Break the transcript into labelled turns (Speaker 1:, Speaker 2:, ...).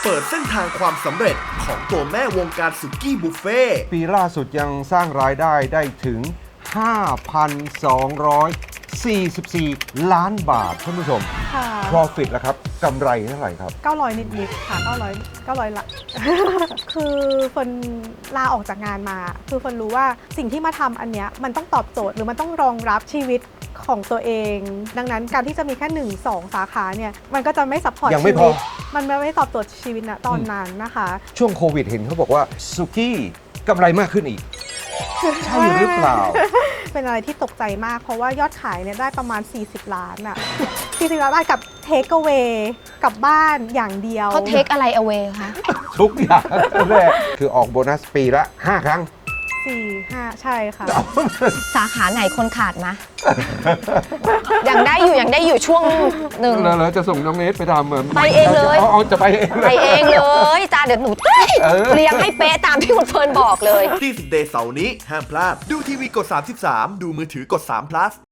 Speaker 1: เปิดเส้นทางความสำเร็จของตัวแม่วงการสุกี้บุฟเฟ่ต์
Speaker 2: ปีล่าสุดยังสร้างรายได้ได้ถึง 5,244 ล้านบาทท่านผู้ชม
Speaker 3: ค่ะ
Speaker 2: profit แล้วครับกำไรเท่าไหร่ครับ
Speaker 3: 900 นิดๆค่ะ900ละ คือเฟิร์นลาออกจากงานมา คือเฟิร์นรู้ว่าสิ่งที่มาทำอันเนี้ยมันต้องตอบโจทย์หรือมันต้องรองรับชีวิตของตัวเอง ดังนั้นการที่จะมีแค่1-2 สาขาเนี่ยมันก็จะไม่ซัพพอร์ต
Speaker 2: ยังไม่
Speaker 3: ชี
Speaker 2: พ
Speaker 3: วิ
Speaker 2: อ
Speaker 3: ตมันไม่ตอบโจทย์ชีวิตนะตอนนั้นนะคะ
Speaker 2: ช่วงโควิดเห็นเขาบอกว่าสุกี้กำไรมากขึ้นอีก ใช่หรือเปล่า
Speaker 3: เป็นอะไรที่ตกใจมากเพราะว่ายอดขายเนี่ยได้ประมาณ40 ล้านอะ40 ล้านบาทกับเทคเอา a y กลับบ้านอย่างเดียว
Speaker 4: เขาเทคอะไรเอาไว้คะ
Speaker 2: ทุกอย่างแรกคือออกโบนัสปีละ 5 ครั้ง
Speaker 3: 4-5 ใช่ค่ะ
Speaker 4: สาขาไหนคนขาดมะ ยังได้อยู่ช่วงหนึ่ง
Speaker 2: แล้วจะส่งน้องเนทไปทำเหมือน
Speaker 4: ไปเองเลย
Speaker 2: เอาจะไปเอง
Speaker 4: ไปเองเลยจ้าเดี๋ยวหนูเรียงให้เป๊ะตามที่คุณเฟิร์นบอกเลย
Speaker 1: ที่10 Day เสาร์นี้ห้ามพลาดดูทีวีกด 33 ดูมือถือกด3 plus